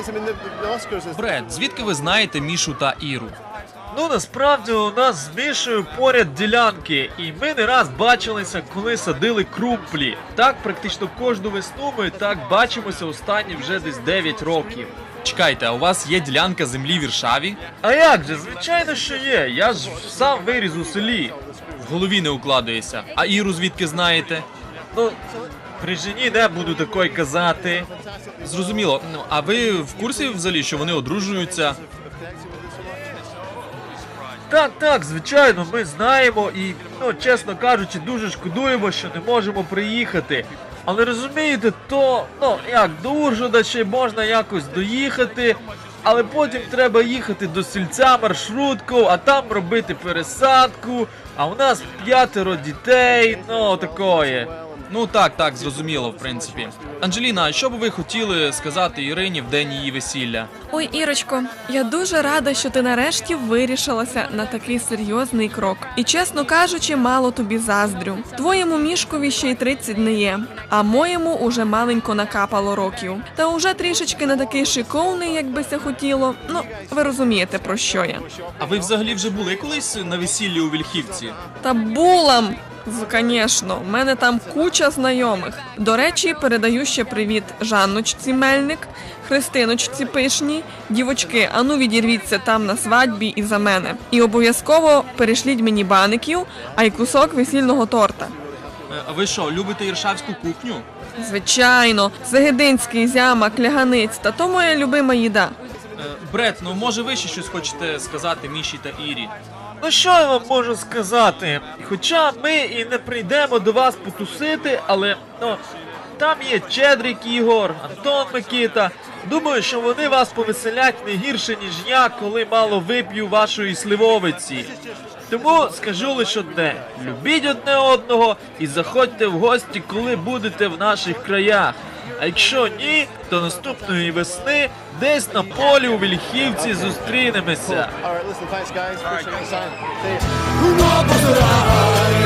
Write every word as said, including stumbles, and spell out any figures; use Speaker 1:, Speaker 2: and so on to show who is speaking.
Speaker 1: Бред, звідки ви знаєте Мішу та Іру?
Speaker 2: Ну, насправді у нас з Мішою поряд ділянки, і ми не раз бачилися, коли садили крумплі. Так, практично кожну весну ми так бачимося останні вже десь дев'ять років.
Speaker 1: Чекайте, а у вас є ділянка землі в Іршаві?
Speaker 2: А як же, звичайно, що є. Я ж сам виріс у селі.
Speaker 1: В голові не укладається. А Іру звідки знаєте?
Speaker 2: Ну, при жені не буду такої казати.
Speaker 1: Зрозуміло. Ну, а ви в курсі взагалі, що вони одружуються?
Speaker 2: Так, так, звичайно, ми знаємо і, ну, чесно кажучи, дуже шкодуємо, що не можемо приїхати. Але розумієте, то, ну, як, до Ужгорода ще можна якось доїхати, але потім треба їхати до сільця маршруткою, а там робити пересадку, а у нас п'ятеро дітей, ну, такое.
Speaker 1: Ну так, так, зрозуміло, в принципі. Анджеліна, а що б ви хотіли сказати Ірині в день її весілля?
Speaker 3: Ой, Ірочко, я дуже рада, що ти нарешті вирішилася на такий серйозний крок. І, чесно кажучи, мало тобі заздрю. Твоєму Мішкові ще й тридцять не є, а моєму уже маленько накапало років. Та уже трішечки не такий шиковний, як би ся хотіло. Ну, ви розумієте, про що я.
Speaker 1: А ви взагалі вже були колись на весіллі у Вільхівці?
Speaker 3: Та була! Звісно, в мене там куча знайомих. До речі, передаю ще привіт Жанночці Мельник, Христиночці Пишній. Дівочки, ану відірвіться там на свадьбі і за мене. І обов'язково перешліть мені баників, а й кусок весільного торта.
Speaker 1: Е, А ви що, любите іршавську кухню?
Speaker 3: Звичайно, Загидинський, зямак, ляганиць, та то моя любима їда.
Speaker 1: Е, Бред, ну може ви ще щось хочете сказати Міші та Ірі?
Speaker 2: Ну що я вам можу сказати? Хоча ми і не прийдемо до вас потусити, але, ну, там є Чедрик Ігор, Антон Микита. Думаю, що вони вас повеселять не гірше, ніж я, коли мало вип'ю вашої сливовиці. Тому скажу лише одне: любіть одне одного і заходьте в гості, коли будете в наших краях. А якщо ні, то наступної весни десь на полі у Вільхівці зустрінемося.
Speaker 4: All right, listen, thanks, guys. Appreciate your time. See you.